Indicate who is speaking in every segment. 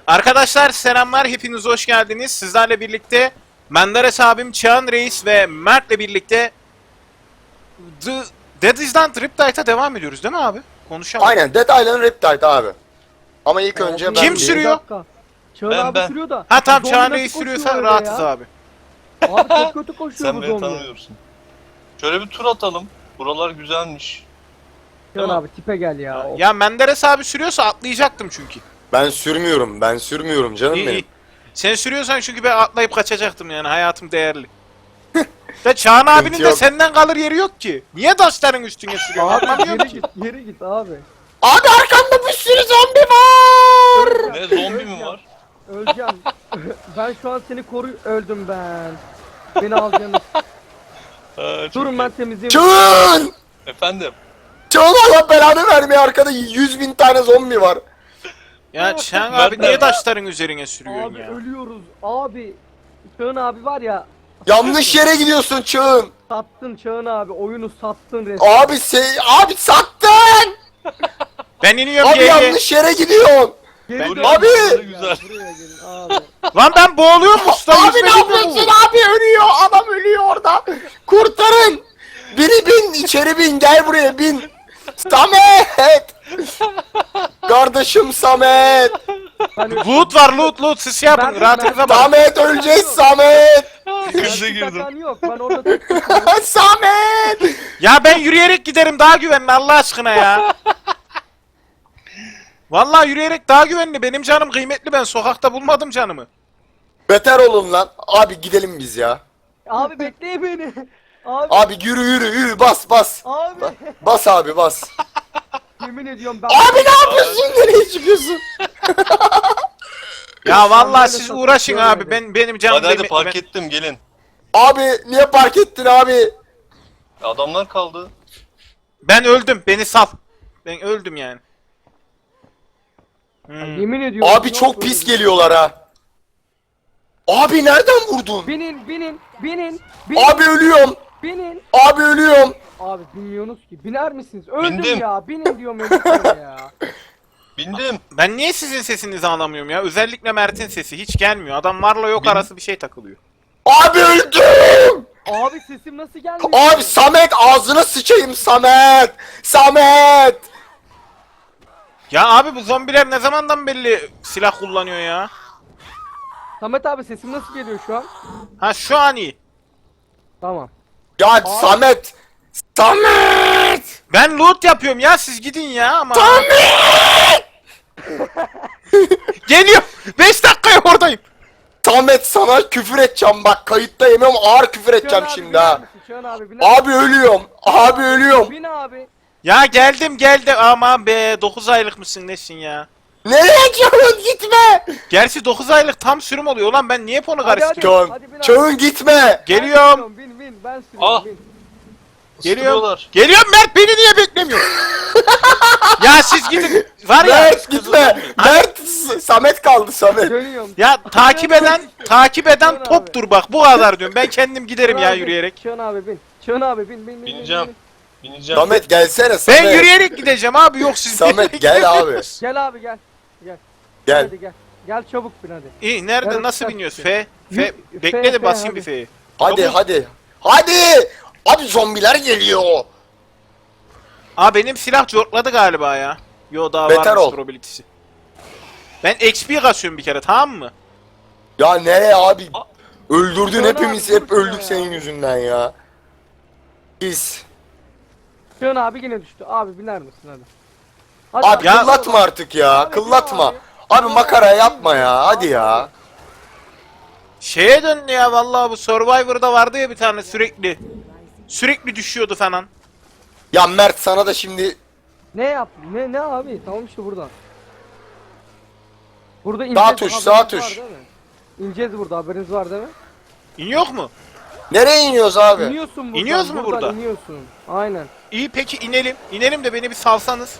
Speaker 1: Arkadaşlar selamlar, hepiniz hoş geldiniz. Sizlerle birlikte Menderes abim, Çağan Reis ve Mert'le birlikte Dead Island Riptide'a devam ediyoruz değil mi abi? Konuşalım.
Speaker 2: Aynen, Dead Island Riptide abi. Ama ilk önce ben
Speaker 1: Kim
Speaker 2: bir-
Speaker 1: sürüyor?
Speaker 3: Çağın
Speaker 4: Ben-
Speaker 3: abi
Speaker 4: ben.
Speaker 3: sürüyor da.
Speaker 1: Ha tamam,
Speaker 3: zombi
Speaker 1: Çağan
Speaker 3: nasıl
Speaker 1: Reis
Speaker 3: koşuyor
Speaker 1: sürüyorsa
Speaker 3: öyle
Speaker 1: rahatız
Speaker 3: ya?
Speaker 1: abi.
Speaker 3: Abi çok kötü koşuyor
Speaker 4: Sen
Speaker 3: bu
Speaker 4: beni
Speaker 3: zombi.
Speaker 4: tanımıyorsun. Şöyle bir tur atalım. Buralar güzelmiş.
Speaker 3: Çağın
Speaker 4: Tamam.
Speaker 3: abi tipe gel ya. Of.
Speaker 1: Ya Menderes abi sürüyorsa atlayacaktım çünkü.
Speaker 2: Ben sürmüyorum canım
Speaker 1: İyi,
Speaker 2: benim.
Speaker 1: iyi. Sen sürüyorsan çünkü ben atlayıp kaçacaktım, yani hayatım değerli. Ve Çağan abinin de
Speaker 2: yok.
Speaker 1: senden kalır yeri yok ki. Niye taşların üstüne sürüyorsun?
Speaker 3: Abi
Speaker 1: Anlamıyorum
Speaker 3: geri
Speaker 1: ki.
Speaker 3: git, geri git abi.
Speaker 2: Abi arkamda bir sürü zombi var.
Speaker 4: Ne zombi mi var?
Speaker 3: Öleceğim. Ben şu an seni öldüm ben. Beni alacaksınız.
Speaker 4: Çok
Speaker 3: Durun
Speaker 4: iyi.
Speaker 3: ben temizleyeyim.
Speaker 2: Çığın!
Speaker 4: Efendim.
Speaker 2: Çığın, Allah belanı vermiyor, arkada 100.000 tane zombi var.
Speaker 1: Ya Çağan
Speaker 4: Mert
Speaker 1: abi niye
Speaker 4: nerede?
Speaker 1: taşların üzerine sürüyorsun
Speaker 3: Abi
Speaker 1: ya?
Speaker 3: ölüyoruz. Abi. Çağın abi var ya.
Speaker 2: Yanlış yere gidiyorsun Çığın.
Speaker 3: Sattın Çağın abi. Oyunu sattın resmen.
Speaker 2: Abi sattın.
Speaker 1: Ben iniyorum
Speaker 2: Abi
Speaker 1: GG.
Speaker 2: yanlış yere gidiyorsun.
Speaker 3: Geri
Speaker 4: Dur
Speaker 3: dön.
Speaker 4: ya,
Speaker 2: Abi!
Speaker 4: buraları güzel.
Speaker 3: Buraya gelin abi.
Speaker 1: Lan ben boğuluyorum usta.
Speaker 2: Abi
Speaker 1: yüzme
Speaker 2: ne
Speaker 1: bilmiyor
Speaker 2: yapıyorsun
Speaker 1: mu?
Speaker 2: abi, ölüyor, adam ölüyor orada. Kurtarın. Biri bin, içeri bin, gel buraya bin. Samet. Kardeşim Samet.
Speaker 3: Ben
Speaker 1: Loot var, loot siz şey yapın,
Speaker 3: Ben-
Speaker 1: rahatınıza bakın.
Speaker 2: Samet öleceğiz Samet.
Speaker 4: Krize girdim.
Speaker 3: Takan yok. Ben orada tek tutuyorum.
Speaker 2: Samet.
Speaker 1: Ya ben yürüyerek giderim, daha güvenli Allah aşkına ya. Vallahi yürüyerek daha güvenli, benim canım kıymetli, ben sokakta bulmadım canımı.
Speaker 2: Beter olun lan. Abi gidelim biz ya.
Speaker 3: Abi bekleyin beni. Abi.
Speaker 2: Abi yürü bas.
Speaker 3: Abi.
Speaker 2: Bas abi bas.
Speaker 3: Yemin ediyorum ben.
Speaker 2: Abi ne yapıyorsun? Nereye çıkıyorsun?
Speaker 1: Ya vallahi
Speaker 3: böyle
Speaker 1: siz
Speaker 3: satıp
Speaker 1: uğraşın abi,
Speaker 3: görmedim.
Speaker 1: benim canım
Speaker 4: Hadi hadi
Speaker 1: kıymetli.
Speaker 4: park
Speaker 1: Ben...
Speaker 4: ettim gelin.
Speaker 2: Abi niye park ettin abi?
Speaker 4: Adamlar kaldı.
Speaker 1: ben öldüm, beni sal. Ben öldüm yani. Hmm.
Speaker 3: Yemin ediyorum.
Speaker 2: Abi çok pis geliyorlar ha. Abi nereden vurdun?
Speaker 3: Binin.
Speaker 2: Abi ölüyorum.
Speaker 3: Binin.
Speaker 2: Abi ölüyorum.
Speaker 3: Abi bilmiyorsunuz ki. Biner misiniz? Öldüm
Speaker 4: Bindim.
Speaker 3: ya. Binin diyorum öldüm ya.
Speaker 4: Bindim.
Speaker 1: Ben niye sizin sesinizi anlamıyorum ya? Özellikle Mert'in sesi hiç gelmiyor. Adam varla yok arası bir şey takılıyor.
Speaker 2: Abi öldüm.
Speaker 3: Abi sesim nasıl gelmiyor?
Speaker 2: Abi Samet, ağzına sıçayım Samet. Samet.
Speaker 1: Ya abi bu zombiler ne zamandan belli silah kullanıyor ya?
Speaker 3: Samet abi sesim nasıl geliyor şu an?
Speaker 1: Ha şu an iyi.
Speaker 3: Tamam.
Speaker 2: Ya Samet. Samet.
Speaker 1: Ben loot yapıyorum ya, siz gidin ya ama. Geliyor. 5 dakikaya oradayım.
Speaker 2: Samet, sana küfür edeceğim bak, kayıtta yemiyorum, ağır küfür edeceğim
Speaker 3: Çağın abi,
Speaker 2: şimdi
Speaker 3: biner
Speaker 2: ha.
Speaker 3: misin? Çağın abi biner
Speaker 2: Abi ölüyorum. Abi ölüyorum.
Speaker 3: Bin abi.
Speaker 1: Ya geldim ama be 9 aylık mısın nesin ya?
Speaker 2: Nereye gidiyorsun, gitme.
Speaker 1: Gerçi 9 aylık tam sürüm oluyor lan, ben niye onu
Speaker 3: Hadi,
Speaker 1: karıştırıyorum?
Speaker 3: hadi bin abi.
Speaker 2: Çağın gitme.
Speaker 1: Geliyorum.
Speaker 3: Bin ben sürüyorum
Speaker 4: Ah.
Speaker 3: bin.
Speaker 1: Geliyorum.
Speaker 4: Isırıyorlar.
Speaker 1: Geliyorum Mert, beni niye beklemiyor? Ya siz gidin. Var ya.
Speaker 2: Mert gitme. Mert, Samet kaldı Samet.
Speaker 3: Dönüyorum.
Speaker 1: Ya takip eden
Speaker 3: Çağın
Speaker 1: toptur bak, bu kadar diyorum. Ben kendim giderim ya
Speaker 3: abi,
Speaker 1: yürüyerek.
Speaker 3: Çağın abi bin. Çağın abi bin.
Speaker 4: Bineceğim. Bineceğim.
Speaker 2: Samet gelsene Samet.
Speaker 1: Ben yürüyerek gideceğim abi, yok siz.
Speaker 2: Samet gel abi.
Speaker 3: Gel abi gel.
Speaker 2: Gel.
Speaker 3: Hadi gel. Gel çabuk bin hadi.
Speaker 1: İyi, nerede
Speaker 3: Evet,
Speaker 1: nasıl
Speaker 3: evet.
Speaker 1: biniyoruz? F.
Speaker 3: F,
Speaker 1: Bekle de
Speaker 3: F,
Speaker 1: basayım
Speaker 3: hadi.
Speaker 1: bir F'yi.
Speaker 2: Hadi
Speaker 1: Çabuk.
Speaker 2: hadi. Hadi. Abi zombiler geliyor.
Speaker 1: Aa benim silah cortladı galiba ya. Yo daha
Speaker 2: Beter
Speaker 1: varmış
Speaker 2: ol.
Speaker 1: probability'si. Ben XP kasıyorum bir kere, tamam mı?
Speaker 2: Ya nereye abi? Öldürdün,
Speaker 3: Çağın
Speaker 2: hepimiz
Speaker 3: abi,
Speaker 2: hep
Speaker 3: dur
Speaker 2: öldük
Speaker 3: ya.
Speaker 2: senin yüzünden ya. Pis.
Speaker 3: Çağın abi yine düştü. Abi biner misin hadi. Hadi
Speaker 2: Abi
Speaker 1: Ya-
Speaker 2: kıllatma artık ya.
Speaker 3: Abi,
Speaker 2: Kıllatma.
Speaker 3: abi.
Speaker 2: Abi makara yapma ya. Hadi ya.
Speaker 1: Şeye döndü ya vallahi, bu Survivor'da vardı ya bir tane sürekli. Sürekli düşüyordu falan.
Speaker 2: Ya Mert, sana da şimdi
Speaker 3: Ne yap? Ne abi? Tamam işte burada. Burada
Speaker 2: Sağ
Speaker 3: ineceğiz.
Speaker 2: tuş,
Speaker 3: haberiniz
Speaker 2: sağ
Speaker 3: var
Speaker 2: tuş.
Speaker 3: değil mi? İneceğiz burada, haberiniz var değil mi?
Speaker 1: İn yok mu?
Speaker 2: nereye iniyoruz abi?
Speaker 3: İniyorsun buradan.
Speaker 1: İniyoruz mu
Speaker 3: buradan
Speaker 1: burada?
Speaker 3: iniyorsun. Aynen.
Speaker 1: İyi peki inelim. İnelim de beni bir salsanız.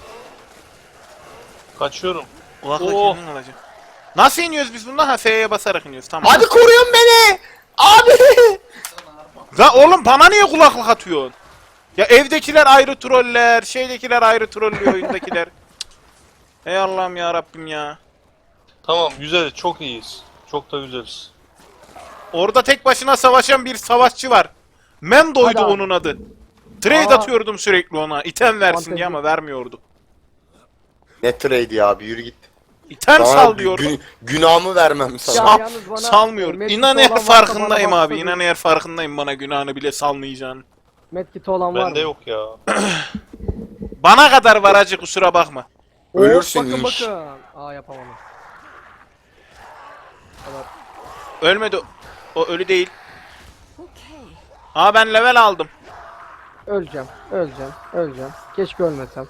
Speaker 4: Kaçıyorum.
Speaker 1: Kulakla
Speaker 4: Oo.
Speaker 1: kendin alacağım. Nasıl iniyoruz biz bundan? Ha F'ye basarak iniyoruz, tamam.
Speaker 2: Hadi koruyun beni. Abi.
Speaker 1: La oğlum bana niye kulaklık atıyorsun? Ya evdekiler ayrı troller, şeydekiler ayrı trollüyor, oyundakiler. Cık. Ey Allah'ım ya Rabbim ya.
Speaker 4: Tamam güzel, çok iyiyiz. Çok da güzeliz.
Speaker 1: Orada tek başına savaşan bir savaşçı var. Mendo'ydu
Speaker 3: Hadi abi.
Speaker 1: onun adı. Trade
Speaker 3: Aa.
Speaker 1: atıyordum sürekli ona. İtem versin
Speaker 3: Fantezi.
Speaker 1: diye ama vermiyordu.
Speaker 2: Ne trade ya abi, yürü git.
Speaker 1: İtem
Speaker 2: Sana
Speaker 1: sal diyordu.
Speaker 2: günahımı vermem sana.
Speaker 3: Ya
Speaker 1: Sal-
Speaker 3: yalnız bana,
Speaker 1: salmıyor.
Speaker 3: medkit
Speaker 1: İnan
Speaker 3: olan
Speaker 1: eğer
Speaker 3: varsa
Speaker 1: farkındayım
Speaker 3: bana
Speaker 1: abi.
Speaker 3: baksana
Speaker 1: İnan
Speaker 3: bir.
Speaker 1: eğer farkındayım bana günahını bile salmayacağını.
Speaker 3: Medkit olan var
Speaker 4: Bende
Speaker 3: mı?
Speaker 4: yok ya.
Speaker 1: Bana kadar var acı, kusura bakma.
Speaker 3: Hop,
Speaker 2: Ölürsün
Speaker 3: bakın
Speaker 2: iş.
Speaker 3: bakın. Aa yapamadım.
Speaker 1: Ölmedi. O ölü değil. Aa ben level aldım.
Speaker 3: Öleceğim. Öleceğim. Keşke ölmesem.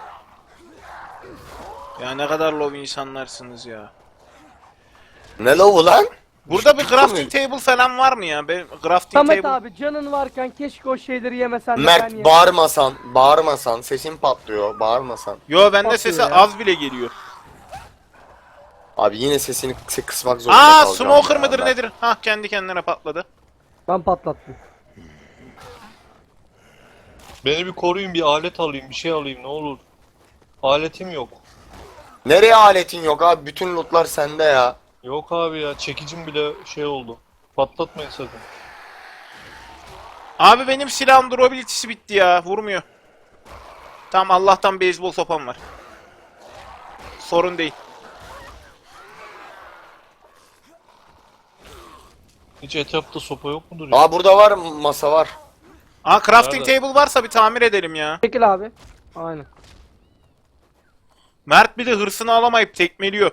Speaker 1: Ya ne kadar low insanlarsınız ya.
Speaker 2: Ne lavu lan?
Speaker 1: Burada bir crafting table falan var mı ya? Benim crafting
Speaker 3: Samet
Speaker 1: table...
Speaker 3: abi canın varken keşke o şeyleri yemesen de ben
Speaker 2: Mert
Speaker 3: yerim.
Speaker 2: bağırmasan sesin patlıyor, bağırmasan.
Speaker 1: Yo bende
Speaker 3: Bakıyor
Speaker 1: sesi
Speaker 3: ya.
Speaker 1: az bile geliyor.
Speaker 2: Abi yine sesini kısmak zorunda
Speaker 1: Aa
Speaker 2: kalacağım
Speaker 1: smoker
Speaker 2: ya
Speaker 1: mıdır
Speaker 2: ben.
Speaker 1: nedir? Hah kendi kendine patladı.
Speaker 3: Ben patlattım.
Speaker 4: Beni bir koruyun, bir alet alayım, bir şey alayım ne olur. Aletim yok.
Speaker 2: Nereye aletin yok abi? Bütün lootlar sende ya.
Speaker 4: Yok abi ya, çekicim bile şey oldu. Patlatmayın sakın.
Speaker 1: Abi benim silahım durability'si bitti ya. Vurmuyor. Tamam Allah'tan beyzbol sopam var. Sorun değil.
Speaker 4: Hiç etrafta sopa yok mudur ya?
Speaker 2: Aa burada var, masa var.
Speaker 1: Aa crafting
Speaker 4: Nerede?
Speaker 1: table varsa bir tamir edelim ya.
Speaker 3: Çekil abi. Aynen.
Speaker 1: Mert bir de hırsını alamayıp tekmeliyor.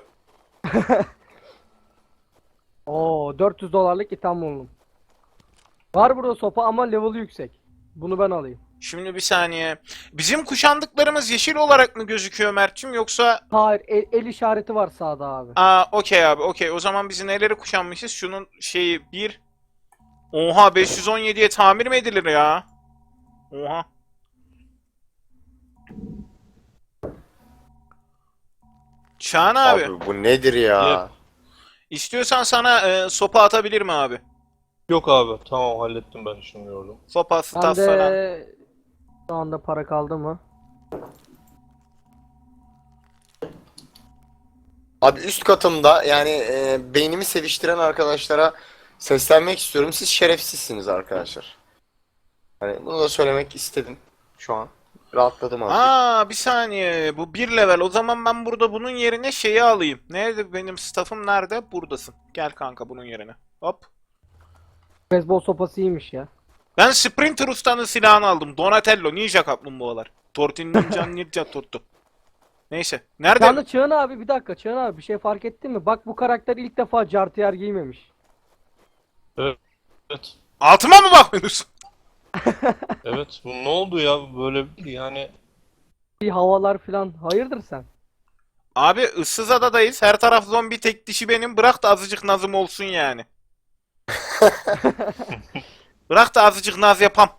Speaker 3: Oo 400 dolarlık itham buldum. Var burada sopa ama level'ı yüksek. Bunu ben alayım.
Speaker 1: Şimdi bir saniye. Bizim kuşandıklarımız yeşil olarak mı gözüküyor Mert'cim yoksa...
Speaker 3: Hayır el işareti var sağda abi.
Speaker 1: Aa okey abi okey. O zaman biz neleri kuşanmışız? Şunun şeyi bir... Oha 517'ye tamir mi edilir ya? Oha. Çağan abi.
Speaker 2: Abi bu nedir ya?
Speaker 4: Yep.
Speaker 1: İstiyorsan sana sopa atabilir mi abi?
Speaker 4: Yok abi, tamam hallettim ben şunu yordum.
Speaker 1: Sopa,
Speaker 3: Ben
Speaker 1: staff falan.
Speaker 3: de şu anda para kaldı mı?
Speaker 2: Abi üst katımda yani beynimi seviştiren arkadaşlara seslenmek istiyorum. Siz şerefsizsiniz arkadaşlar. Hani bunu da söylemek istedim şu an. Rahatladım azıcık.
Speaker 1: Aa bir saniye. Bu bir level. O zaman ben burada bunun yerine şeyi alayım. Nerede benim staff'ım nerede? Buradasın. Gel kanka bunun yerine. Hop.
Speaker 3: Beyzbol sopası iyiymiş ya.
Speaker 1: Ben Sprinter Usta'nın silahını aldım. Donatello Ninja Kaplumbağalar. Tortin Ninja Ninja Tortu. Neyse. Nerede?
Speaker 3: Şu anda Çağın abi bir dakika Çağın abi bir şey fark ettin mi? Bak bu karakter ilk defa jartiyer giymemiş.
Speaker 4: Evet.
Speaker 1: Altıma mı bakıyorsun?
Speaker 4: Evet. Bu ne oldu ya böyle yani?
Speaker 3: Bir havalar filan hayırdır sen?
Speaker 1: Abi ıssız adadayız. Her taraf zombi, tek dişi benim. Bırak da azıcık nazım olsun yani. Bırak da azıcık naz yapam.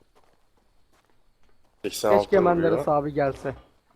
Speaker 2: 86
Speaker 3: Keşke
Speaker 2: vuruyor.
Speaker 3: Menderes abi gelse.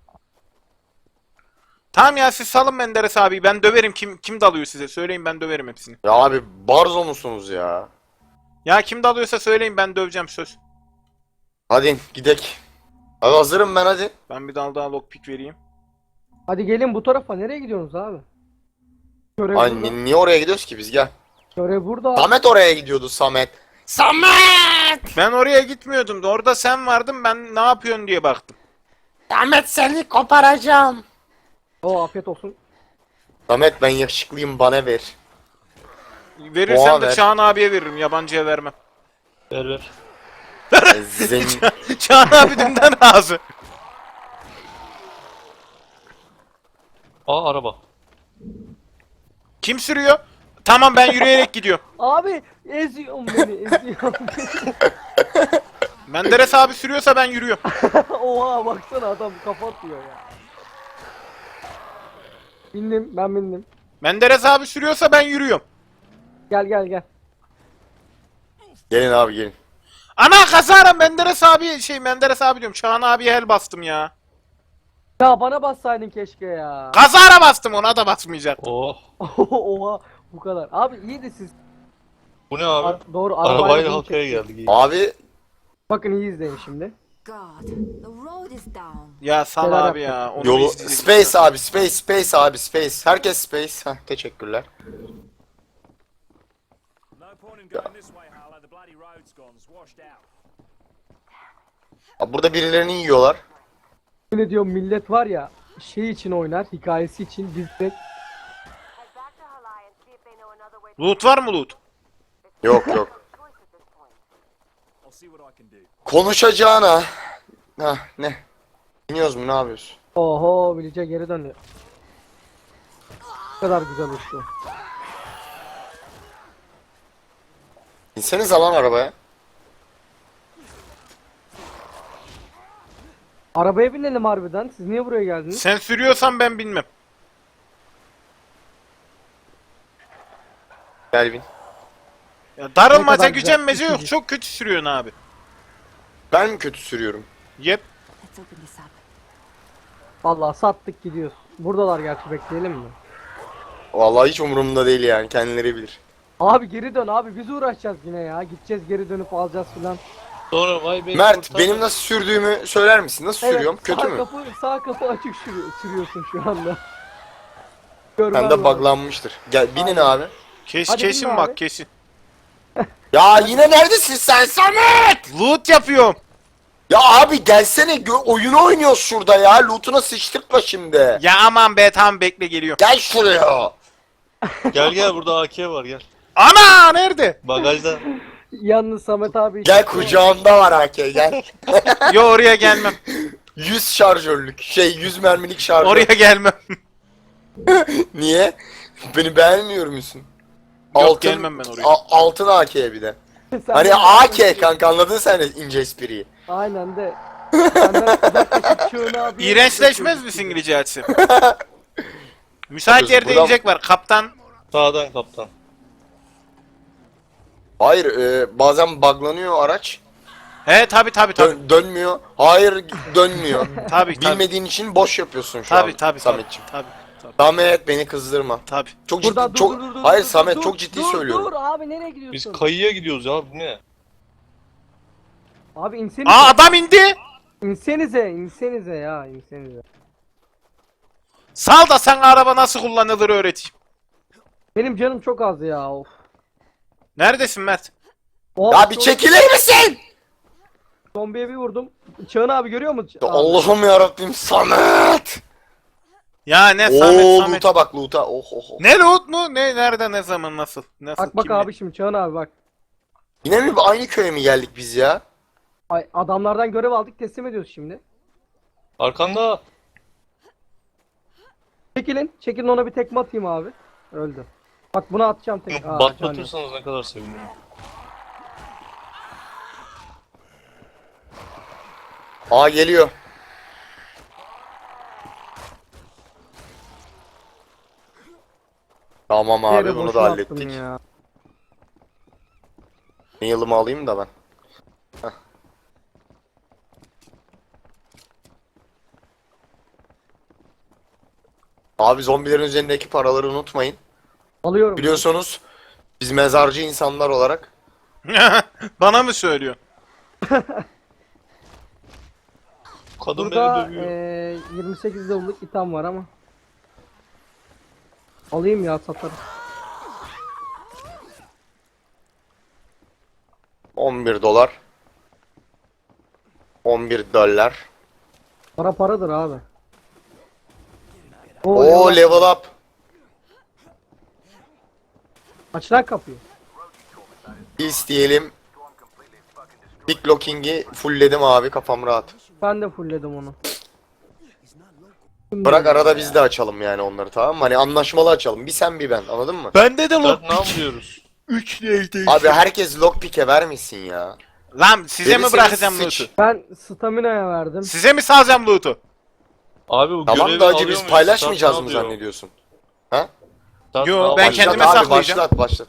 Speaker 1: Tamam ya siz salın Menderes abi. Ben döverim. Kim dalıyor size? Söyleyin ben döverim hepsini.
Speaker 2: Ya abi barzo musunuz ya?
Speaker 1: Ya kim dalıyorsa söyleyin ben döveceğim söz.
Speaker 2: Hadi gidek. Abi hazırım ben, hadi.
Speaker 1: Ben bir dal daha lockpick vereyim.
Speaker 3: Hadi gelin bu tarafa nereye gidiyorsunuz abi? Görev
Speaker 2: Ay
Speaker 3: burada.
Speaker 2: niye oraya gidiyoruz ki biz, gel.
Speaker 3: Görev burada.
Speaker 2: Samet oraya gidiyordu, Samet. Samet!
Speaker 1: Ben oraya gitmiyordum. Orada sen vardın. Ben ne yapıyorsun diye baktım.
Speaker 2: Samet seni koparacağım.
Speaker 3: Oo afiyet olsun.
Speaker 2: Samet ben yakışıklıyım, bana ver.
Speaker 1: Verirsen
Speaker 2: Oha,
Speaker 1: de
Speaker 2: ver.
Speaker 1: Çağan abiye veririm. Yabancıya vermem.
Speaker 4: Ver ver.
Speaker 1: Çağan abi dünden razı.
Speaker 4: Aa araba.
Speaker 1: Kim sürüyor? Tamam ben yürüyerek gidiyorum.
Speaker 3: Abi eziyorum beni eziyorum.
Speaker 1: Menderes abi sürüyorsa ben yürüyorum.
Speaker 3: Oha baksana adam kafa atıyor ya. Bindim ben bindim.
Speaker 1: Menderes abi sürüyorsa ben yürüyorum.
Speaker 3: Gel gel gel.
Speaker 2: Gelin abi gelin.
Speaker 1: Ana kazara Menderes abi diyorum. Çağan abiye el bastım ya.
Speaker 3: Ya bana bassaydın keşke ya.
Speaker 1: Kazara bastım ona da basmayacak.
Speaker 4: Oh.
Speaker 3: Oha bu kadar. Abi iyiydi siz.
Speaker 4: Bu ne abi?
Speaker 3: Doğru
Speaker 4: Arabayla
Speaker 3: bunu
Speaker 4: halkaya
Speaker 3: çektik.
Speaker 4: geldik.
Speaker 2: Abi
Speaker 3: Bakın iyi izleyin şimdi.
Speaker 5: God, the road is down.
Speaker 1: Ya sal
Speaker 3: Neler
Speaker 1: abi
Speaker 3: yaptık?
Speaker 1: ya. Onu
Speaker 2: Yolu
Speaker 1: izleyeceğiz.
Speaker 2: space abi, space abi, space. Herkes space. Heh, teşekkürler.
Speaker 5: No point in going this way, Harlow. The bloody road's gone. It's washed out.
Speaker 2: Abi burada birilerini yiyorlar.
Speaker 3: Ne diyorum, millet var ya şey için oynar, hikayesi için biz de
Speaker 6: Head back to Halai and see if they know another way to
Speaker 1: Loot var mı loot?
Speaker 2: Yok yok.
Speaker 6: choice at this point.
Speaker 5: I'll see what I can do.
Speaker 2: Konuşacağına. Hah ne? İniyoruz mu, ne yapıyoruz?
Speaker 3: oho Village'e geri dönüyor. Ne kadar güzel uçtu.
Speaker 2: İnseniz lan arabaya.
Speaker 3: Arabaya binelim harbiden. Siz niye buraya geldiniz?
Speaker 1: Sen sürüyorsan ben bilmem.
Speaker 2: Gel bin.
Speaker 1: Ya
Speaker 3: Ne
Speaker 1: darılmaca
Speaker 3: kadar
Speaker 1: gücenmece
Speaker 3: güzel.
Speaker 1: yok. Çok kötü sürüyorsun abi.
Speaker 2: Ben mi kötü sürüyorum?
Speaker 1: Yep.
Speaker 6: Let's open this up.
Speaker 3: Vallahi sattık gidiyoruz. Buradalar gerçi, bekleyelim mi?
Speaker 2: Vallahi hiç umurumda değil yani, kendileri bilir.
Speaker 3: Abi geri dön abi, biz uğraşacağız yine ya. Gideceğiz, geri dönüp alacağız filan.
Speaker 4: Sonra vay be.
Speaker 2: Mert, benim nasıl sürdüğümü söyler misin? Nasıl sürüyorum? Kötü
Speaker 3: sağ
Speaker 2: mü?
Speaker 3: sağ kapı açık sürüyorsun şu anda. Görmem
Speaker 2: Ben de
Speaker 3: lazım.
Speaker 2: buglanmıştır. Gel binin abi.
Speaker 3: Hadi
Speaker 1: Kesin
Speaker 3: binme
Speaker 1: bak
Speaker 3: abi.
Speaker 1: kesin.
Speaker 2: Ya yine neredesin sen Samet?
Speaker 1: Loot yapıyorum.
Speaker 2: Ya abi gelsene, oyunu oynuyoruz şurada ya. Loot'una sıçtırtma şimdi.
Speaker 1: Ya aman be, tamam bekle geliyor.
Speaker 2: Gel şuraya.
Speaker 4: Gel burada AK var gel.
Speaker 1: Ana nerede?
Speaker 4: Bagajda.
Speaker 3: Yalnız Samet abi
Speaker 2: Gel kucağımda var AK, gel.
Speaker 1: Yo oraya gelmem.
Speaker 2: 100 şarjörlük. 100 mermilik şarjör.
Speaker 1: Oraya gelmem.
Speaker 2: Niye? Beni beğenmiyor musun?
Speaker 1: Yok, gelmem ben oraya.
Speaker 2: Altın AK'ye bir de.
Speaker 3: Sen
Speaker 2: Hani
Speaker 3: de-
Speaker 2: AK kanka, anladın sen de ince espriyi.
Speaker 3: Aynen de. Senden uzaklaşıp çığını abi.
Speaker 1: İğrençleşmez misin İngilizce açısı? Müsait yerde
Speaker 2: Buradan-
Speaker 1: inecek var. Kaptan.
Speaker 4: Sağdan kaptan.
Speaker 2: Hayır, bazen buglanıyor araç.
Speaker 1: He tabi.
Speaker 2: Dönmüyor. Hayır, dönmüyor.
Speaker 1: Tabi.
Speaker 2: Bilmediğin için boş yapıyorsun şu
Speaker 1: Tabi
Speaker 2: an Sametciğim.
Speaker 1: tabi.
Speaker 2: Samet, beni kızdırma.
Speaker 1: Tabi.
Speaker 2: Çok
Speaker 3: Burada
Speaker 2: ciddi, çok... Hayır Samet, çok ciddi
Speaker 3: dur,
Speaker 2: söylüyorum.
Speaker 3: Dur abi, nereye gidiyorsun?
Speaker 4: Biz kayıya gidiyoruz ya, bu ne?
Speaker 3: Abi insenize.
Speaker 1: Aa adam indi.
Speaker 3: İnsenize ya, insenize.
Speaker 1: Sal da sen araba nasıl kullanılır öğreteyim.
Speaker 3: Benim canım çok az ya, of.
Speaker 1: Neredesin Mert?
Speaker 3: Oh,
Speaker 2: Ya bir çekilir misin?
Speaker 3: Zombiye bir vurdum. Çağın abi görüyor musun? Abi.
Speaker 2: Allah'ım yarabbim, Samet!
Speaker 1: Ya ne
Speaker 2: Oo,
Speaker 1: Samet.
Speaker 2: loot'a bak, loot'a. Oh oh oh.
Speaker 1: Ne loot mu? Ne nerede, ne zaman, nasıl? Nasıl?
Speaker 3: Bak
Speaker 1: kimle?
Speaker 3: abi şimdi Çağın abi bak.
Speaker 2: Yine mi aynı köye mi geldik biz ya?
Speaker 3: Ay, adamlardan görev aldık, teslim ediyoruz şimdi.
Speaker 4: Arkanda.
Speaker 3: Çekilin ona bir tekme atayım abi. Öldü. Bak bunu atacağım tek. Aa,
Speaker 4: Batlatırsanız ne kadar sevinirim.
Speaker 2: Aa, geliyor. Tamam abi,
Speaker 3: Yere
Speaker 2: bunu
Speaker 3: boşuna
Speaker 2: da
Speaker 3: attım
Speaker 2: hallettik.
Speaker 3: ya.
Speaker 2: Nail'ımı alayım da ben. Heh. Abi zombilerin üzerindeki paraları unutmayın.
Speaker 3: Alıyorum.
Speaker 2: Biliyorsunuz biz mezarcı insanlar olarak
Speaker 1: Bana mı söylüyor?
Speaker 4: Kadın
Speaker 3: Burada
Speaker 4: beni dövüyor.
Speaker 3: 28 level'lık item var ama. Alayım ya, satarım.
Speaker 2: 11 dolar. 11 dolar.
Speaker 3: Para paradır abi.
Speaker 2: Oo,
Speaker 3: eyvallah.
Speaker 2: level up.
Speaker 3: Aç lan kapıyı.
Speaker 2: İsteyelim. Big locking'i fullledim abi, kafam rahat.
Speaker 3: Ben de fullledim onu.
Speaker 2: Bırak arada biz de açalım yani onları, tamam mı? Hani anlaşmalı açalım. Bir sen bir ben, anladın mı?
Speaker 1: Bende de
Speaker 4: Dört
Speaker 1: loot.
Speaker 4: ne yapıyoruz?
Speaker 1: 3 neydi?
Speaker 2: Abi herkes lockpick'e vermesin ya.
Speaker 1: Lan size mi
Speaker 2: Gerisini
Speaker 1: bırakacağım
Speaker 2: sıç.
Speaker 1: loot'u?
Speaker 3: Ben stamina'ya verdim.
Speaker 1: Size mi salacağım loot'u?
Speaker 4: Abi bu
Speaker 2: Tamam
Speaker 4: görevi
Speaker 2: da acı
Speaker 4: alıyor
Speaker 2: biz
Speaker 4: muyuz?
Speaker 2: paylaşmayacağız
Speaker 4: Start
Speaker 2: mı
Speaker 4: ne yapıyor?
Speaker 2: zannediyorsun?
Speaker 4: Start
Speaker 1: Yo,
Speaker 4: ne
Speaker 1: ben
Speaker 4: yapıyor?
Speaker 2: Başlat
Speaker 1: kendime
Speaker 2: abi,
Speaker 1: saklayacağım.
Speaker 2: başlat.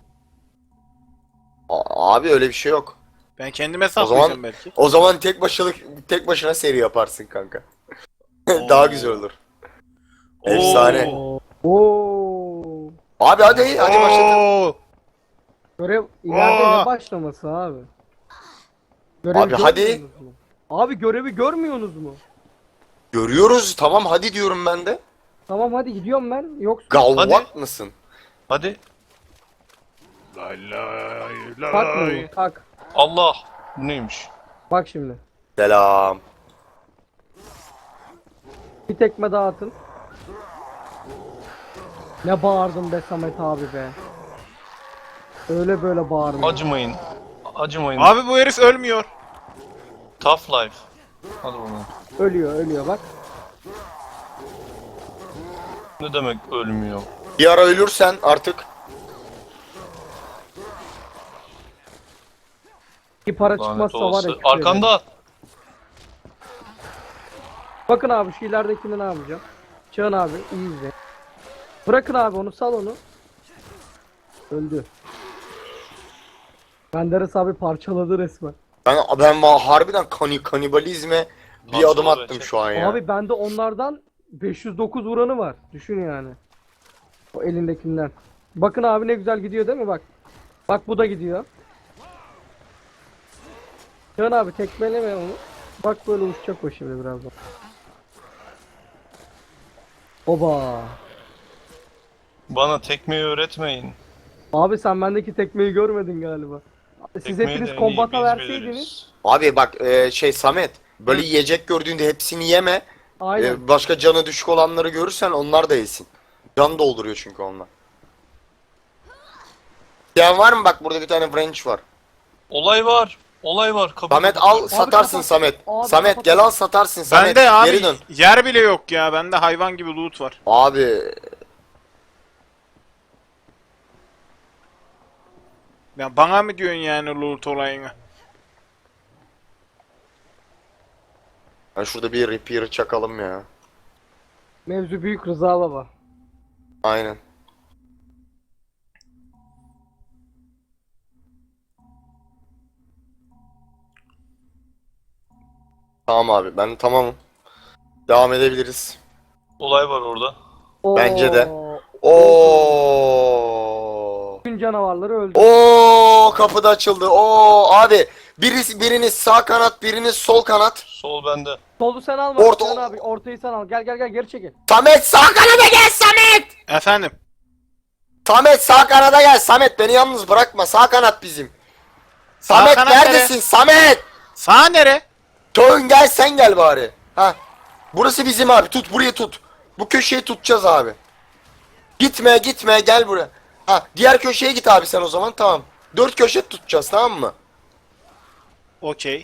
Speaker 2: Abi öyle bir şey yok.
Speaker 1: Ben kendime
Speaker 2: O
Speaker 1: saklayacağım
Speaker 2: zaman
Speaker 1: belki.
Speaker 2: o zaman tek başına seri yaparsın kanka. Daha güzel olur. Efsane.
Speaker 3: Oo.
Speaker 2: Abi hadi başlatın.
Speaker 1: Oo.
Speaker 3: Görev ileride
Speaker 1: Aa.
Speaker 3: ne başlaması abi? Görevi
Speaker 2: Abi hadi.
Speaker 3: görmüyorsunuz mu? Abi görevi görmüyorsunuz mu?
Speaker 2: Görüyoruz, tamam hadi diyorum ben de.
Speaker 3: Tamam hadi gidiyorum ben. Yoksa
Speaker 2: Galvat mısın?
Speaker 4: Hadi.
Speaker 1: Lay lay lay.
Speaker 3: kalkmıyor mu? Kalk.
Speaker 4: Allah. Bu neymiş?
Speaker 3: Bak şimdi.
Speaker 2: Selam.
Speaker 3: Bir tekme daha atın. Ne bağırdın be Samet abi be. Öyle böyle bağırma.
Speaker 4: Acımayın. Acımayın.
Speaker 1: Abi bu herif ölmüyor.
Speaker 4: Tough life. Hadi bakalım.
Speaker 3: Ölüyor bak.
Speaker 4: Ne demek ölmüyor?
Speaker 2: Bir ara ölürsen artık
Speaker 3: Bir para
Speaker 4: Lanet
Speaker 3: çıkmazsa var ya.
Speaker 4: olası.
Speaker 3: küfür ederim.
Speaker 4: Arkanda.
Speaker 3: Bakın abi şu ileridekini ne yapacağım? Çağın abi iyi izle. Bırakın abi onu, sal onu. Öldü. Menderes abi parçaladı resmen.
Speaker 2: ben harbiden kanibalizme bir
Speaker 4: Parçaladı
Speaker 2: adım attım
Speaker 4: bence.
Speaker 2: şu an ya.
Speaker 3: Abi bende onlardan 509 vuranı var. Düşün yani. O elindekinden. Bakın abi ne güzel gidiyor değil mi bak. Bak bu da gidiyor. Çağın abi tekmeleme onu. Bak böyle uçacak o şimdi birazdan. Oba.
Speaker 4: Bana tekmeyi öğretmeyin.
Speaker 3: Abi sen bendeki tekmeyi görmedin galiba. Siz
Speaker 4: Tekmeyi de
Speaker 3: hepiniz
Speaker 4: en iyi
Speaker 3: kombata
Speaker 4: biz
Speaker 3: verseydiniz.
Speaker 4: biliriz.
Speaker 2: Abi bak Samet böyle yiyecek gördüğünde hepsini yeme.
Speaker 3: Aynen.
Speaker 2: Başka canı düşük olanları görürsen onlar da yesin. Can dolduruyor çünkü onlar. Yani var mı bak burada bir tane French var.
Speaker 4: Olay var. Olay var. Kabul
Speaker 2: Samet
Speaker 4: ediyorum.
Speaker 2: al satarsın
Speaker 3: kapat.
Speaker 2: Samet.
Speaker 3: Abi
Speaker 2: Samet
Speaker 3: kapat.
Speaker 2: gel al satarsın Samet.
Speaker 1: Bende abi
Speaker 2: Geri dön.
Speaker 1: yer bile yok ya. Bende hayvan gibi loot var.
Speaker 2: Abi
Speaker 1: Ya bana mı diyorsun yani loot olayını?
Speaker 2: ben şurada bir repair çakalım ya.
Speaker 3: Mevzu büyük Rıza baba.
Speaker 2: Aynen. Tamam abi ben tamamım. Devam edebiliriz.
Speaker 4: Olay var orada.
Speaker 2: Bence de.
Speaker 3: Oo,
Speaker 2: Oo.
Speaker 3: Bütün canavarları öldü.
Speaker 2: Oo kapı da açıldı. Oo abi biriniz sağ kanat, biriniz sol kanat.
Speaker 4: Sol bende.
Speaker 3: Solu sen alma.
Speaker 2: Orta-
Speaker 3: Çağın abi ortayı sen al. Gel geri çekil.
Speaker 2: Samet sağ kanada gel Samet.
Speaker 1: Efendim.
Speaker 2: Samet sağ kanada gel. Samet beni yalnız bırakma. Sağ kanat bizim. Samet
Speaker 1: kanat
Speaker 2: neredesin? Samet.
Speaker 1: Sağ nere?
Speaker 2: Dön gel sen gel bari. Ha. Burası bizim abi. Tut burayı tut. Bu köşeyi tutacağız abi. Gitme gel buraya. Ha diğer köşeye git abi sen o zaman tamam. 4 köşe tutacağız tamam mı?
Speaker 1: Okey.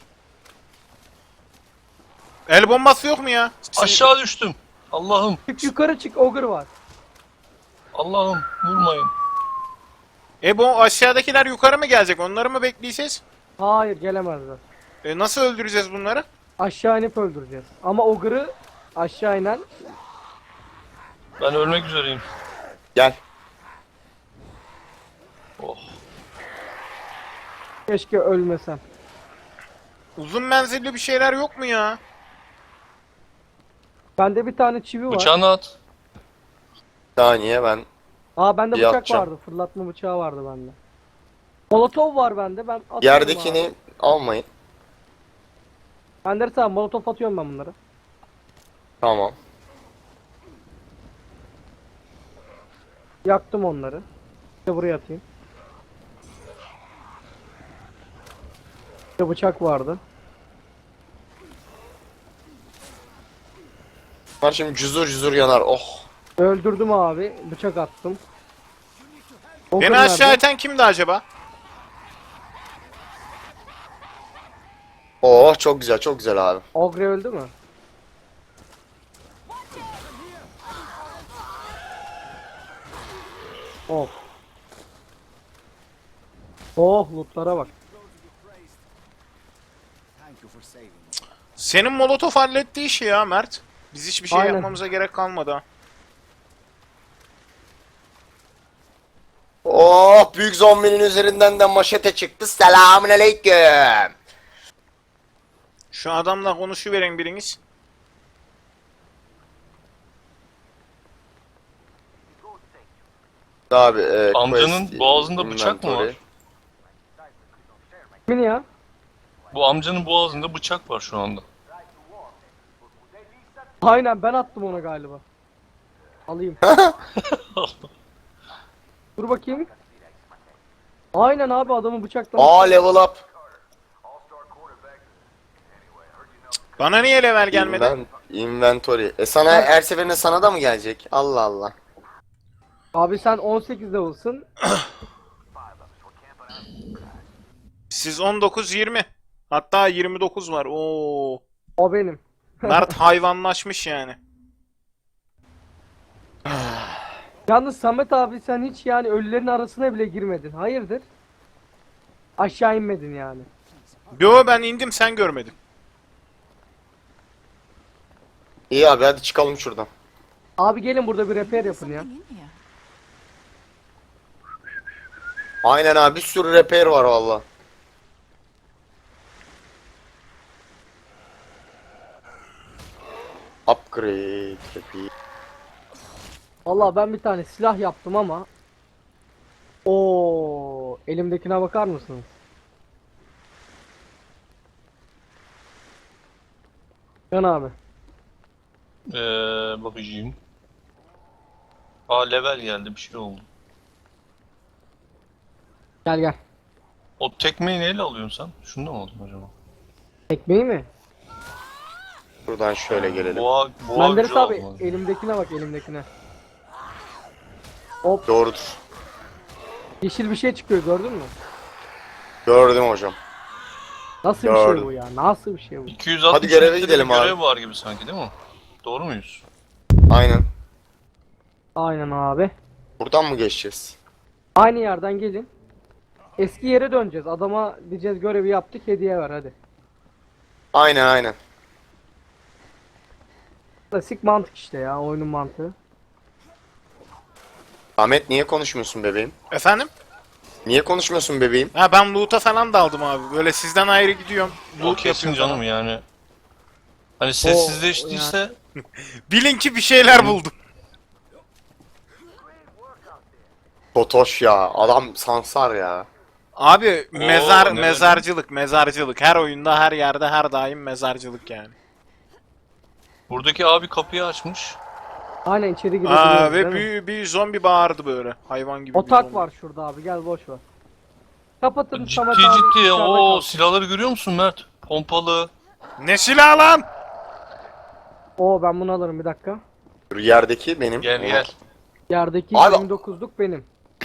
Speaker 1: El bombası yok mu ya?
Speaker 4: Aşağı düştüm. Allah'ım.
Speaker 3: Çık yukarı çık. Ogre var.
Speaker 4: Allah'ım. Vurmayın.
Speaker 1: Bu aşağıdakiler yukarı mı gelecek? Onları mı bekleyeceğiz?
Speaker 3: Hayır gelemezler.
Speaker 1: Nasıl öldüreceğiz bunları?
Speaker 3: Aşağı inip öldüreceğiz. Ama Ogre'ı aşağı inen.
Speaker 4: Ben ölmek üzereyim.
Speaker 2: Gel.
Speaker 4: Oh.
Speaker 3: Keşke ölmesem.
Speaker 1: Uzun menzilli bir şeyler yok mu ya?
Speaker 3: Bende bir tane çivi var.
Speaker 4: Bıçağını at.
Speaker 2: Bir saniye ben.
Speaker 3: Aa bende
Speaker 2: Bir
Speaker 3: bıçak
Speaker 2: atacağım.
Speaker 3: vardı. Fırlatma bıçağı vardı bende. Molotov var bende. Ben atıyorum
Speaker 2: Yerdekini
Speaker 3: abi.
Speaker 2: almayın.
Speaker 3: Menderes abi molotov atıyorum ben bunları.
Speaker 2: Tamam.
Speaker 3: Yaktım onları. İşte buraya atayım. İşte bıçak vardı.
Speaker 2: Bunlar şimdi cüzur yanar. Oh.
Speaker 3: Öldürdüm abi. Bıçak attım. Ogre
Speaker 1: Beni aşağı
Speaker 3: nerede?
Speaker 1: iten kimdi acaba?
Speaker 2: Oh çok güzel abi.
Speaker 3: Ogre öldü mü? Of. Oh lootlara bak.
Speaker 1: Senin molotof halletti işi ya Mert. Biz hiçbir şey
Speaker 3: Aynen.
Speaker 1: yapmamıza gerek kalmadı ha.
Speaker 2: Oh büyük zombinin üzerinden de maşete çıktı. Selamünaleyküm.
Speaker 1: Şu adamla konuşuverin biriniz.
Speaker 2: Abi
Speaker 4: Amcanın
Speaker 2: quest,
Speaker 4: boğazında bıçak mı
Speaker 2: inventory.
Speaker 4: var?
Speaker 3: Kimin ya?
Speaker 4: Bu amcanın boğazında bıçak var şu anda.
Speaker 3: Aynen ben attım ona galiba. Alayım. Dur bakayım. Aynen abi adamı bıçaklamış.
Speaker 2: Aa level up.
Speaker 1: Bana niye level gelmedi?
Speaker 2: Inventory. Sana her seferinde sana da mı gelecek? Allah Allah.
Speaker 3: Abi sen 18 level'sın.
Speaker 1: Siz 19-20. Hatta 29 var. Oo.
Speaker 3: O benim.
Speaker 1: Mert hayvanlaşmış yani.
Speaker 3: Yalnız Samet abi sen hiç yani ölülerin arasına bile girmedin. Hayırdır? Aşağı inmedin yani.
Speaker 1: Yo ben indim sen görmedin.
Speaker 2: İyi abi hadi çıkalım şuradan.
Speaker 3: Abi gelin burada bir repair yapın ya.
Speaker 2: Aynen abi bir sürü repair var valla. Upgrade repair.
Speaker 3: Vallahi ben bir tane silah yaptım ama. Oo, elimdekine bakar mısınız? Can abi.
Speaker 4: Bakacağım. Aa level geldi bir şey oldu.
Speaker 3: Gel gel.
Speaker 4: O tekmeyi neyle alıyorsun sen? Şunu da mı aldın acaba?
Speaker 3: Ekmeği mi?
Speaker 2: Buradan şöyle gelelim.
Speaker 4: Boğa
Speaker 3: Menderes
Speaker 4: gücü
Speaker 3: abi
Speaker 4: aldım.
Speaker 3: elimdekine bak elimdekine. Hop
Speaker 2: Doğrudur.
Speaker 3: yeşil bir şey çıkıyor gördün mü?
Speaker 2: Gördüm hocam.
Speaker 3: Nasıl bir
Speaker 2: Gördüm.
Speaker 3: şey bu ya? Nasıl bir şey bu?
Speaker 4: 260
Speaker 2: Hadi göreve
Speaker 4: metre
Speaker 2: gidelim
Speaker 4: bir
Speaker 2: abi.
Speaker 4: görev var gibi sanki değil mi? Doğru muyuz?
Speaker 2: Aynen.
Speaker 3: Aynen abi.
Speaker 2: Buradan mı geçeceğiz?
Speaker 3: Aynı yerden gelin. Eski yere döneceğiz. Adama diyeceğiz görevi yaptık hediye ver hadi.
Speaker 2: Aynen.
Speaker 3: Klasik mantık işte ya oyunun mantığı.
Speaker 2: Ahmet niye konuşmuyorsun bebeğim?
Speaker 1: Efendim?
Speaker 2: Niye konuşmuyorsun bebeğim?
Speaker 1: Ha ben loot'a falan daldım abi. Böyle sizden ayrı gidiyorum.
Speaker 4: O
Speaker 1: Loot
Speaker 4: kesin
Speaker 1: yapıyorum
Speaker 4: canım
Speaker 1: falan.
Speaker 4: yani. Hani sessizleştiyse
Speaker 1: Bilin ki bir şeyler buldum.
Speaker 2: Totoş ya. Adam sansar ya.
Speaker 1: Abi
Speaker 4: ne
Speaker 1: mezarcılık. Her oyunda, her yerde, her daim mezarcılık yani.
Speaker 4: buradaki abi kapıyı açmış.
Speaker 3: Aynen içeri girebiliyoruz
Speaker 1: Aa
Speaker 3: değil
Speaker 1: ve
Speaker 3: mi?
Speaker 1: bir zombi bağırdı böyle. Hayvan gibi bir
Speaker 3: Otak
Speaker 1: zombi.
Speaker 3: var şurada abi gel boş ver. Kapatın
Speaker 4: Ciddi
Speaker 3: Samet abi
Speaker 4: ciddi.
Speaker 3: dışarıda
Speaker 4: O
Speaker 3: kalsın.
Speaker 4: silahları görüyor musun Mert? Pompalı.
Speaker 1: Ne silah lan?
Speaker 3: Oo ben bunu alırım bir dakika.
Speaker 2: Dur, yerdeki benim.
Speaker 4: Gel.
Speaker 3: Yerdeki
Speaker 2: Abi-
Speaker 3: 29'luk benim.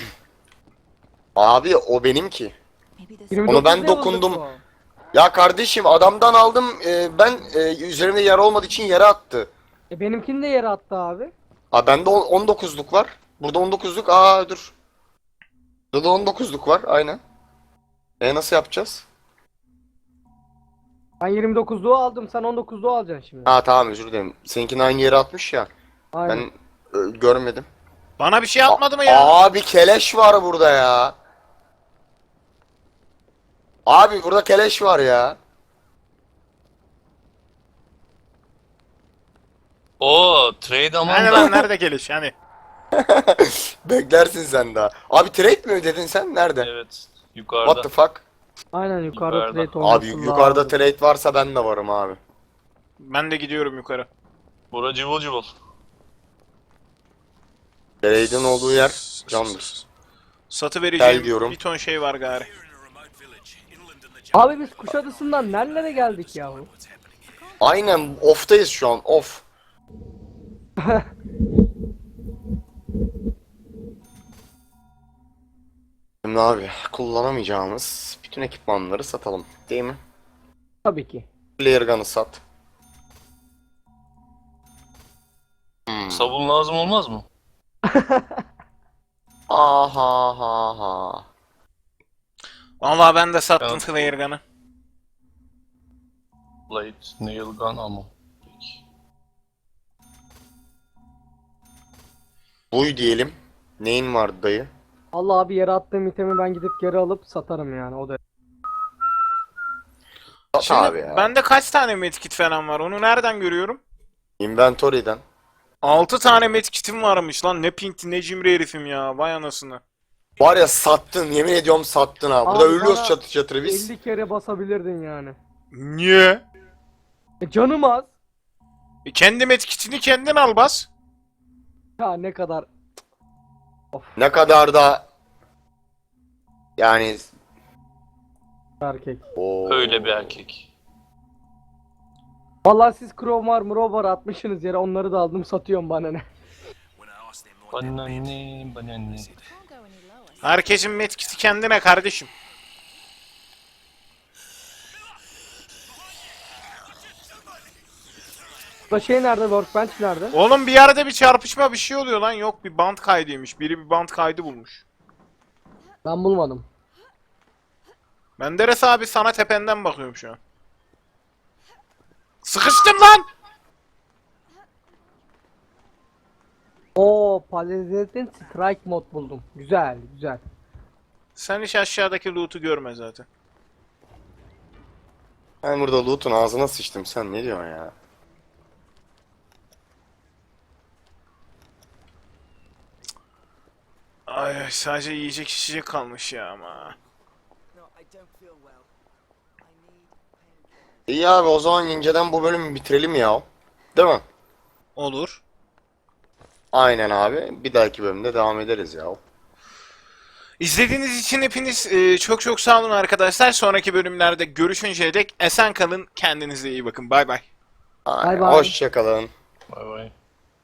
Speaker 2: Abi o benim ki.
Speaker 3: 29
Speaker 2: ben
Speaker 3: level'lık
Speaker 2: dokundum.
Speaker 3: o.
Speaker 2: Ya kardeşim adamdan aldım. Ben üzerimde yara olmadığı için yere attı.
Speaker 3: Benimkini de yere attı abi.
Speaker 2: Aa bende 19'luk var. Burada 19'luk. Aa dur. Burada da 19'luk var. Aynen. Nasıl yapacağız?
Speaker 3: Ben 29'luğu aldım sen 19'luğu alacaksın şimdi.
Speaker 2: Ha tamam özür dilerim. Seninkini aynı yere atmış ya.
Speaker 3: Aynen.
Speaker 2: Ben görmedim.
Speaker 1: Bana bir şey atmadı mı ya?
Speaker 2: Abi keleş var burada ya. Abi burada keleş var ya.
Speaker 4: O trade aman
Speaker 1: Hani
Speaker 4: da.
Speaker 1: lan nerede geliş hani?
Speaker 2: Beklersin sen daha. Abi trade mi ödedin sen? Nerede?
Speaker 4: Evet.
Speaker 2: What
Speaker 4: Yukarıda.
Speaker 2: the fuck?
Speaker 3: Aynen yukarıda
Speaker 4: Yukarıda.
Speaker 3: trade olması
Speaker 2: Abi yukarıda
Speaker 3: lazım.
Speaker 2: trade varsa ben de varım abi.
Speaker 1: Ben de gidiyorum yukarı.
Speaker 4: Bura cıvıl cıvıl.
Speaker 2: Trade'in olduğu yer candır.
Speaker 1: Satı
Speaker 2: Gel
Speaker 1: vereceğim
Speaker 2: diyorum.
Speaker 1: bir ton şey var gari.
Speaker 3: Abi biz Kuşadası'ndan nerelere geldik yahu?
Speaker 2: Aynen off'tayız şu an off. Şimdi abi kullanamayacağımız bütün ekipmanları satalım değil mi?
Speaker 3: Tabii ki.
Speaker 2: Player gun'ı sat.
Speaker 4: Sabun lazım olmaz mı?
Speaker 2: Aha ha ha.
Speaker 1: Vallahi ben de sattım
Speaker 4: Tamam.
Speaker 1: flare gun'ı.
Speaker 4: Blade, nail gun, ammo. Peki.
Speaker 2: Buy diyelim. Neyin vardı dayı?
Speaker 3: Allah abi yere attığım itemi ben gidip geri alıp satarım yani o da.
Speaker 2: Sat
Speaker 1: Şimdi
Speaker 2: abi ya.
Speaker 1: bende kaç tane medkit falan var? Onu nereden görüyorum?
Speaker 2: Inventory'den.
Speaker 1: 6 tane medkitim varmış lan. Ne pinti ne cimri herifim ya. Vay anasını.
Speaker 2: Var ya sattın yemin ediyorum sattın ha. Burada
Speaker 3: Abi
Speaker 2: ölüyoruz
Speaker 3: bana
Speaker 2: çatır çatır biz.
Speaker 3: 50 kere basabilirdin yani.
Speaker 1: Niye?
Speaker 3: Canım az.
Speaker 1: Kendi medkitini kendin al bas.
Speaker 3: Ya ne kadar
Speaker 2: Ne kadar da yani
Speaker 3: erkek.
Speaker 4: Öyle bir erkek.
Speaker 3: Vallahi siz crowbar atmışsınız yere, onları da aldım satıyorum bana ne.
Speaker 4: Bana ne, bana ne.
Speaker 1: Herkesin medkiti kendine kardeşim.
Speaker 3: Da şey nerede, workbench nerede?
Speaker 1: Oğlum bir yerde bir çarpışma bir şey oluyor lan. Yok bir bant kaydıymış. Biri bir bant kaydı bulmuş.
Speaker 3: Ben bulmadım.
Speaker 1: Menderes abi sana tependen bakıyorum şu an. Sıkıştım lan!
Speaker 3: Oo, Palazet'in strike mod buldum. Güzel güzel.
Speaker 1: Sen hiç aşağıdaki loot'u görme zaten.
Speaker 2: ben burada loot'un ağzına sıçtım. Sen ne diyorsun ya?
Speaker 1: Ay sadece yiyecek içecek kalmış ya ama.
Speaker 2: İyi abi, o zaman inceden bu bölümü bitirelim ya. Değil mi?
Speaker 1: Olur.
Speaker 2: Aynen abi. Bir dahaki bölümde devam ederiz ya.
Speaker 1: İzlediğiniz için hepiniz çok çok sağ olun arkadaşlar. Sonraki bölümlerde görüşünceye dek esen kalın. Kendinize iyi bakın. Bay bay.
Speaker 3: Bay bay.
Speaker 2: Hoşça kalın.
Speaker 4: Bay bay.